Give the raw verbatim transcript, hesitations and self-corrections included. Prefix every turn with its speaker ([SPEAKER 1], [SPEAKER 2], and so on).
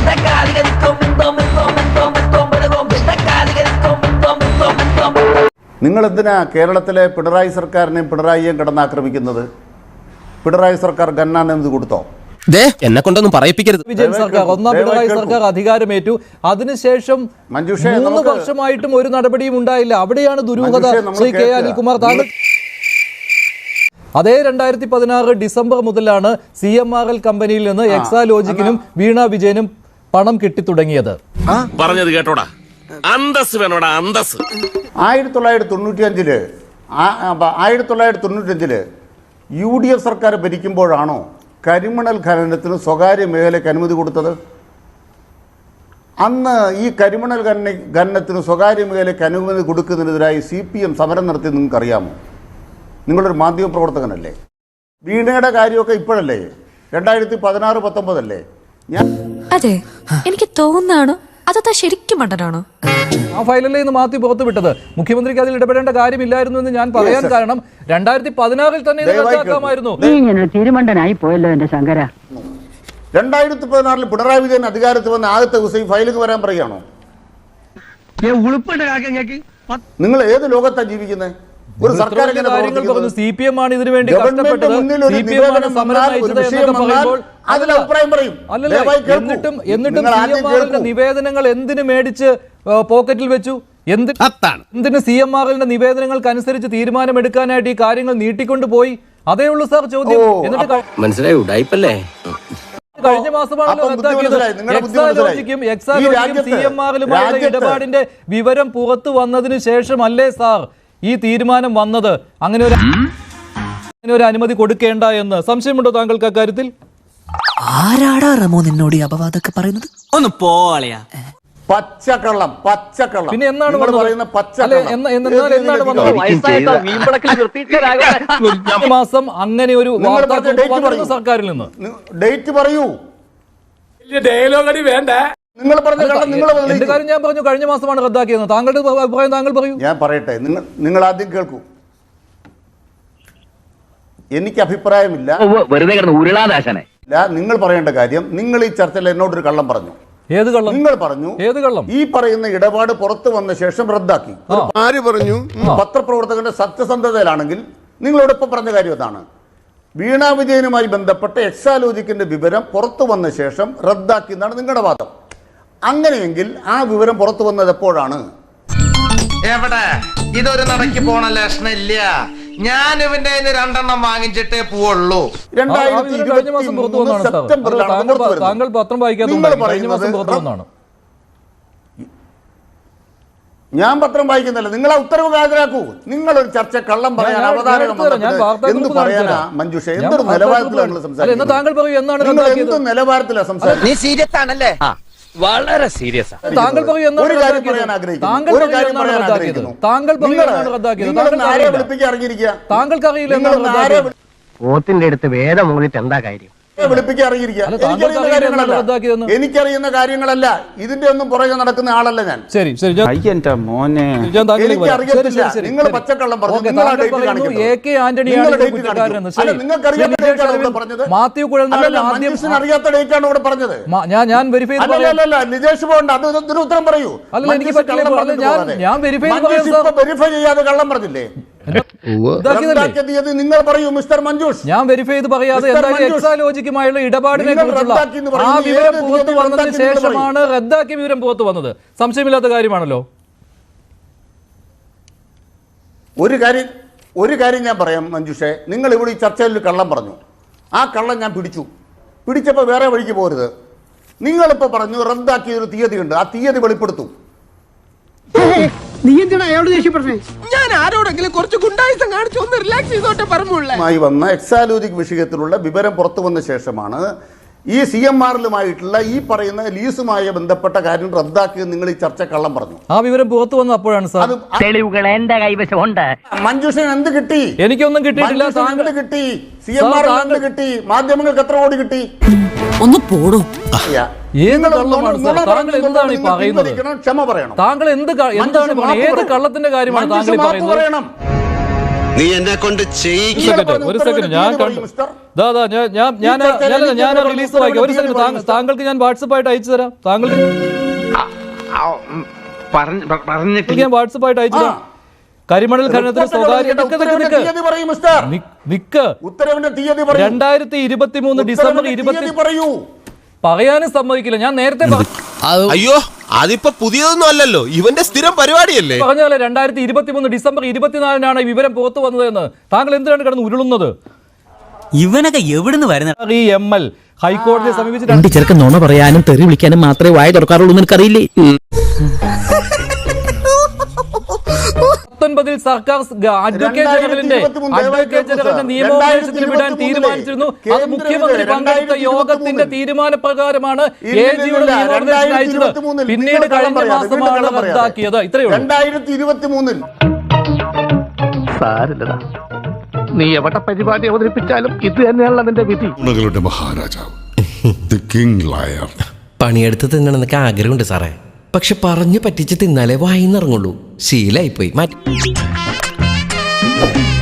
[SPEAKER 1] നിങ്ങൾ എന്തിനാ കേരളത്തിലെ പിണറായി സർക്കാരിനെയും പിണറായിയെയും കിടന്നാക്രമിക്കുന്നത്? പിണറായി സർക്കാർ ഗന്നാനെന്ത് കൊടുത്തോ?
[SPEAKER 2] എന്നെ കൊണ്ടൊന്നും പറയിപ്പിക്കരുത്.
[SPEAKER 3] വിജയൻ സർക്കാർ ഒന്നാം പിണറായി സർക്കാർ അധികാരമേറ്റു. അതിനുശേഷം മൂന്ന് വർഷമായിട്ടും ഒരു നടപടിയും ഉണ്ടായില്ല. അവിടെയാണ് ദുരൂഹത. ശ്രീ കെ അനിൽകുമാർ, താങ്കൾ അതേ രണ്ടായിരത്തി പതിനാറ് ഡിസംബർ മുതലാണ് സി എം ആർ എൽ കമ്പനിയിൽ നിന്ന് എക്സാലോജിക്കിനും വീണ വിജയനും പണം കിട്ടിത്തുടങ്ങിയത്.
[SPEAKER 4] പറഞ്ഞത് കേട്ടോടാ, അന്തസ് വേണോടാ, അന്തസ്.
[SPEAKER 1] ആയിരത്തി തൊള്ളായിരത്തി തൊണ്ണൂറ്റി അഞ്ചില് ആയിരത്തി തൊള്ളായിരത്തി തൊണ്ണൂറ്റി അഞ്ചില് യു ഡി എഫ് സർക്കാർ ഭരിക്കുമ്പോഴാണോ കരിമണൽ ഖനനത്തിന് സ്വകാര്യ മേഖലയ്ക്ക് അനുമതി കൊടുത്തത്? അന്ന് ഈ കരിമണൽ ഖനന ഖനനത്തിന് സ്വകാര്യ മേഖലയ്ക്ക് അനുമതി കൊടുക്കുന്നതിനെതിരായി സി പി എം സമരം നടത്തി നിങ്ങൾക്കറിയാമോ? നിങ്ങളൊരു മാധ്യമ പ്രവർത്തകനല്ലേ? വീണയുടെ കാര്യമൊക്കെ ഇപ്പോഴല്ലേ? രണ്ടായിരത്തി പതിനാറ് പത്തൊമ്പതല്ലേ? ഞാൻ
[SPEAKER 5] അതെ, എനിക്ക് തോന്നുന്നതാണോ അതാ ശരിക്കും മണ്ടനാണോ?
[SPEAKER 3] ആ ഫയലല്ലേ ഇന്ന് മാറ്റി പുറത്തു വിട്ടത്. മുഖ്യമന്ത്രിക്ക് അതിൽ ഇടപെടേണ്ട കാര്യമില്ലായിരുന്നു എന്ന് ഞാൻ പറയാൻ കാരണം രണ്ടായിരത്തി പതിനാറിൽ തന്നെ റദ്ദാക്കാമായിരുന്നു.
[SPEAKER 6] തിരുമണ്ടനായി പോയല്ലോ എന്റെ ശങ്കര.
[SPEAKER 1] രണ്ടായിരത്തി പതിനാറിൽ പിണറായി വിജയൻ അധികാരത്തിൽ വന്ന ആദ്യത്തെ ദിവസം ഈ ഫയലിംഗ് വരാൻ പറയുകയാണോ? നിങ്ങൾ ഏത് ലോകത്താണ് ജീവിക്കുന്നത്? ഒരു സർക്കാർ
[SPEAKER 3] സി പി എം ആണ് ഇതിനു വേണ്ടി കഷ്ടപ്പെട്ടത്, സി പി എം ആണ് സമരം നയിച്ചത് എന്നൊക്കെ പറയുമ്പോൾ എന്നിട്ടും എന്നിട്ടും സി എം ആറിന്റെ നിവേദനങ്ങൾ എന്തിനു മേടിച്ച് പോക്കറ്റിൽ വെച്ചു? എന്ത് എന്തിന് സി എം ആറിന്റെ നിവേദനങ്ങൾക്ക് അനുസരിച്ച് തീരുമാനമെടുക്കാനായിട്ട് ഈ കാര്യങ്ങൾ നീട്ടിക്കൊണ്ടു പോയി? അതേ ഉള്ളൂ സാർ ചോദ്യം. എന്നിട്ട്
[SPEAKER 2] മനസ്സിലായില്ലേ,
[SPEAKER 3] കഴിഞ്ഞ മാസമാണല്ലോ റദ്ദാക്കിയത്. എക്സാലോജിക്കും എക്സാലോജിക്കും സി എം ആറിലുമായുള്ള ഇടപാടിന്റെ വിവരം പുറത്തു വന്നതിന് ശേഷമല്ലേ സാർ ഈ തീരുമാനം വന്നത്? അങ്ങനെ ഒരു അങ്ങനെ ഒരു അനുമതി കൊടുക്കേണ്ട എന്ന് സംശയമുണ്ടോ താങ്കൾക്ക് അക്കാര്യത്തിൽ?
[SPEAKER 7] ആരാടാ റമോ നിന്നോട് അപവാദമൊക്കെ പറയുന്നത്? ഒന്ന് പോളയാ.
[SPEAKER 1] പച്ചക്കള്ളം, പച്ചക്കള്ളം.
[SPEAKER 3] പിന്നെ എന്നാണ്
[SPEAKER 1] പറയുന്ന
[SPEAKER 3] മാസം അങ്ങനെ ഒരു വാർത്ത സർക്കാരിൽ നിന്ന്
[SPEAKER 1] ഡേറ്റ് പറയൂ.
[SPEAKER 4] ഡയലോഗടി വേണ്ട.
[SPEAKER 1] നിങ്ങൾ പറഞ്ഞ
[SPEAKER 3] എന്റെ കാര്യം ഞാൻ പറഞ്ഞു, കഴിഞ്ഞ മാസമാണ് റദ്ദാക്കിയത്. താങ്കളുടെ അഭിപ്രായം താങ്കൾ പറയൂ.
[SPEAKER 1] ഞാൻ പറയട്ടെ, നിങ്ങൾ നിങ്ങൾ ആദ്യം കേൾക്കൂ. എനിക്ക് അഭിപ്രായമില്ല,
[SPEAKER 6] വെറുതെ ഉരുളാദാശനെ.
[SPEAKER 1] നിങ്ങൾ പറയേണ്ട കാര്യം, നിങ്ങൾ ഈ ചർച്ചയിൽ എന്നോടൊരു കള്ളം പറഞ്ഞു.
[SPEAKER 3] ഏത് കള്ളം?
[SPEAKER 1] നിങ്ങൾ പറഞ്ഞു
[SPEAKER 3] ഏത് കള്ളം?
[SPEAKER 1] ഈ പറയുന്ന ഇടപാട് പുറത്തു വന്ന ശേഷം റദ്ദാക്കി.
[SPEAKER 4] ആര് പറഞ്ഞു?
[SPEAKER 1] പത്രപ്രവർത്തകന്റെ സത്യസന്ധതയിലാണെങ്കിൽ നിങ്ങളോട് ഇപ്പൊ പറഞ്ഞ കാര്യം അതാണ്. വീണ വിജയനുമായി ബന്ധപ്പെട്ട എക്സാലോജിക്കിന്റെ വിവരം പുറത്തു വന്ന ശേഷം റദ്ദാക്കി എന്നാണ് നിങ്ങളുടെ വാദം. അങ്ങനെയെങ്കിൽ ആ വിവരം പുറത്തു വന്നത് എപ്പോഴാണ്?
[SPEAKER 8] എവിടെ? ഇതൊരു നടക്ക് പോണ ലക്ഷണില്ല. ഞാൻ ഇവന്റെ രണ്ടെണ്ണം വാങ്ങിച്ചിട്ടേ പോവുള്ളൂ.
[SPEAKER 1] രണ്ടായിരത്തി ഇരുപത്തി മൂന്ന് സെപ്റ്റംബറിലാണ്.
[SPEAKER 3] താങ്കൾ പത്രം വായിക്കാത്തതുകൊണ്ട് കഴിഞ്ഞ മാസം പുറത്തു വന്നതാണ്.
[SPEAKER 1] ഞാൻ പത്രം വായിക്കുന്നില്ല. നിങ്ങൾ ആ ഉത്തരവ് ഹാജരാക്കൂ. നിങ്ങളൊരു ചർച്ച കള്ളം പറയാൻ അവതാരണം എന്ത് പറയാനാ മഞ്ജുഷ? എന്തൊരു നിലവാരത്തിലാണ് സംസാരിക്കുന്നത്?
[SPEAKER 3] താങ്കൾ പറയൂ, എന്നാണ്
[SPEAKER 1] എന്ത് നിലവാരത്തിലാണ് സംസാരിക്കുന്നത്?
[SPEAKER 6] നീ സീരിയസ് ആണല്ലേ?
[SPEAKER 2] വളരെ സീരിയസ്.
[SPEAKER 3] താങ്കൾ പറയൂ,
[SPEAKER 1] ഒരു കാര്യം പറയാൻ ആഗ്രഹിക്കുന്നു. ഒരു കാര്യം പറയാൻ ആഗ്രഹിക്കുന്നു.
[SPEAKER 3] താങ്കൾ
[SPEAKER 1] ആരെ വിളിപ്പിക്കാൻ ഇറങ്ങിയിരിക്കുക?
[SPEAKER 3] താങ്കൾക്ക് അറിയില്ല.
[SPEAKER 6] പോത്തിന്റെ അടുത്ത് വേദം മൂന്നിട്ട് എന്താ കാര്യം?
[SPEAKER 1] വിളിപ്പിക്കാൻ ഇറങ്ങിയിരിക്കുക. എനിക്കറിയുന്ന കാര്യങ്ങളല്ല, എനിക്കറിയുന്ന കാര്യങ്ങളല്ല. ഇതിന്റെ ഒന്നും പുറകെ നടക്കുന്ന ആളല്ല ഞാൻ.
[SPEAKER 3] ശരി ശരി
[SPEAKER 1] മോനെ, എനിക്കറിയത്തില്ല. നിങ്ങൾ പച്ചക്കള്ളം പറഞ്ഞു.
[SPEAKER 3] മാത്യു കുഴൽനാടൻ
[SPEAKER 1] അറിയാത്ത ഡേറ്റ് ആണ് ഇവിടെ പറഞ്ഞത്.
[SPEAKER 3] ഞാൻ വെരിഫൈ
[SPEAKER 1] നിജേഷ് പോകണ്ട, അത് ഇതിന് ഉത്തരം പറയൂ.
[SPEAKER 3] ഞാൻ വെരിഫൈ
[SPEAKER 1] വെരിഫൈ ചെയ്യാതെ കള്ളം പറഞ്ഞില്ലേ? നിങ്ങൾ പറയൂ മിസ്റ്റർ മഞ്ജുഷ്.
[SPEAKER 3] ഞാൻ വെരിഫൈ ചെയ്ത് പറയാതെ എക്സാലോജിക്കുമായുള്ള ഇടപാടിനെ കുറിച്ചുള്ള ആ വിവരം പുറത്തു വന്നതിന് ശേഷമാണ് റദ്ദാക്കിയ വിവരം പുറത്തു വന്നത്. സംശയമില്ലാത്ത കാര്യമാണല്ലോ.
[SPEAKER 1] ഒരു കാര്യം ഒരു കാര്യം ഞാൻ പറയാം മഞ്ജുഷേ, നിങ്ങൾ ഇവിടെ ഈ ചർച്ചയിൽ ഒരു കള്ളം പറഞ്ഞു. ആ കള്ളം ഞാൻ പിടിച്ചു. പിടിച്ചപ്പോൾ വേറെ വഴിക്ക് പോരുത്. നിങ്ങളിപ്പോൾ പറഞ്ഞു റദ്ദാക്കിയൊരു തീയതി ഉണ്ട്, ആ തീയതി വെളിപ്പെടുത്തും.
[SPEAKER 6] നീ എന്തിനാ അയാളോട് ദേഷ്യപ്പെട്ടേ? ഞാൻ ആരോടെങ്കിലും കുറച്ച് ഗുണ്ടായിസം കാണിച്ചു ഒന്ന് റിലാക്സ് ചെയ്തോട്ടെ പറഞ്ഞുള്ളൂ.
[SPEAKER 1] വന്ന എക്സാലോജിക് വിഷയത്തിലുള്ള വിവരം പുറത്തു വന്ന ശേഷമാണ് ഈ സി എം ആറിലുമായിട്ടുള്ള ഈ പറയുന്ന ലീസുമായി ബന്ധപ്പെട്ട കാര്യം റദ്ദാക്കിയത്. നിങ്ങൾ ഈ ചർച്ച കള്ളം പറഞ്ഞു.
[SPEAKER 3] ആ വിവരം പുറത്തു വന്ന അപ്പോഴാണ് സാർ.
[SPEAKER 6] തെളിവുകൾ എന്റെ കൈവശമുണ്ട്.
[SPEAKER 1] മഞ്ജുഷൻ എന്ത് കിട്ടി?
[SPEAKER 3] എനിക്കൊന്നും കിട്ടിയിട്ടില്ല.
[SPEAKER 1] എന്ത് കിട്ടി? സി എം ആറിൽ എന്ത് കിട്ടി? മാധ്യമങ്ങൾക്ക് എത്ര കോടി കിട്ടി?
[SPEAKER 7] ഒന്ന് പോടൂ.
[SPEAKER 3] എന്താണ് പറയുന്നത്?
[SPEAKER 1] ക്ഷമ പറയണം.
[SPEAKER 3] താങ്കൾ എന്ത് എന്താണ് ഏത് കള്ളത്തിന്റെ കാര്യമാണ് താങ്കൾ പറയുന്നത്?
[SPEAKER 9] നീ എന്നെ കൊണ്ട്
[SPEAKER 3] ഒരു സെക്കൻഡ് ഒരു സെക്കൻഡ് ഞാൻ കണ്ടു ദാ ദാ ഞാൻ ഞാൻ ഞാൻ ഞാൻ- ഞാൻ റിലീസ് വായിക്കാം. ഒരു സെക്കൻഡ് താങ്കൾ- താങ്കൾക്ക് ഞാൻ വാട്സപ്പായിട്ട് അയച്ചു തരാം. താങ്കൾക്ക് ഞാൻ വാട്സപ്പായിട്ട് അയച്ചു തരാം. കരിമണൽ ഖനനത്തിന് സ്വകാര്യ നിക്ക് നിക്ക് നിക്ക്. നിക്ക് നിക്ക്.
[SPEAKER 1] ഉത്തരവിന്റെ തീയതി പറയൂ.
[SPEAKER 3] രണ്ടായിരത്തി ഇരുപത്തി മൂന്ന് ഡിസംബർ ഇരുപത്തി
[SPEAKER 1] പറയൂ.
[SPEAKER 3] പറയാനും സമ്മതിക്കില്ല. ഞാൻ നേരത്തെ പറ-
[SPEAKER 9] അയ്യോ അതിപ്പോ പുതിയതൊന്നും അല്ലല്ലോ, ഇവന്റെ സ്ഥിരം പരിപാടിയല്ലേ.
[SPEAKER 3] പറഞ്ഞ പോലെ രണ്ടായിരത്തി ഇരുപത്തി മൂന്ന് ഡിസംബർ ഇരുപത്തിനാലിനാണ് ഈ വിവരം പുറത്തു വന്നതെന്ന്. താങ്കൾ എന്തിനാണ് കിടന്ന് ഉരുളുന്നത്?
[SPEAKER 7] ഇവനൊക്കെ എവിടുന്ന് വരുന്ന
[SPEAKER 3] ഈ എം എൽ ഹൈക്കോടതിയെ സമീപിച്ചിട്ടുണ്ട്.
[SPEAKER 2] ചെറുക്കൻ നോണ പറയാനും തെറി വിളിക്കാനും മാത്രമേ വായ തുറക്കാറുള്ളൂ എന്ന് എനിക്കറിയില്ലേ.
[SPEAKER 3] പത്തൊൻപതിൽ സർക്കാർ അഡ്വക്കേറ്റ് ജനറലിന്റെ അഡ്വക്കേറ്റ് ജനറലിന്റെ നിയമോപദേശത്തിന് വിടാൻ തീരുമാനിച്ചിരുന്നു. അത് മുഖ്യമന്ത്രി പങ്കെടുത്ത യോഗത്തിന്റെ തീരുമാനപ്രകാരമാണ് എ ജിയുടെ നിയമോപദേശം അയച്ചത്. പിന്നീട് കഴിഞ്ഞ മാസമാണ് റദ്ദാക്കിയത്. ഇത്രയേ ഉള്ളൂ.
[SPEAKER 1] രണ്ടായിരത്തി ഇരുപത്തി മൂന്നിൽ
[SPEAKER 6] സാരില്ലടാ, നീ എവിടെ പരിപാടി അവതരിപ്പിച്ചാലും ഇത് തന്നെയാണല്ലോ നിന്റെ വിധി.
[SPEAKER 10] മഹാരാജാവ് ദി കിങ് ലയർ.
[SPEAKER 2] പണിയെടുത്ത് തിന്നണമെന്നൊക്കെ ആഗ്രഹമുണ്ട് സാറേ, പക്ഷെ പറഞ്ഞു പറ്റിച്ച് തിന്നാലേ വായിന്നിറങ്ങുള്ളൂ. ശീലായിപ്പോയി മാറ്റി.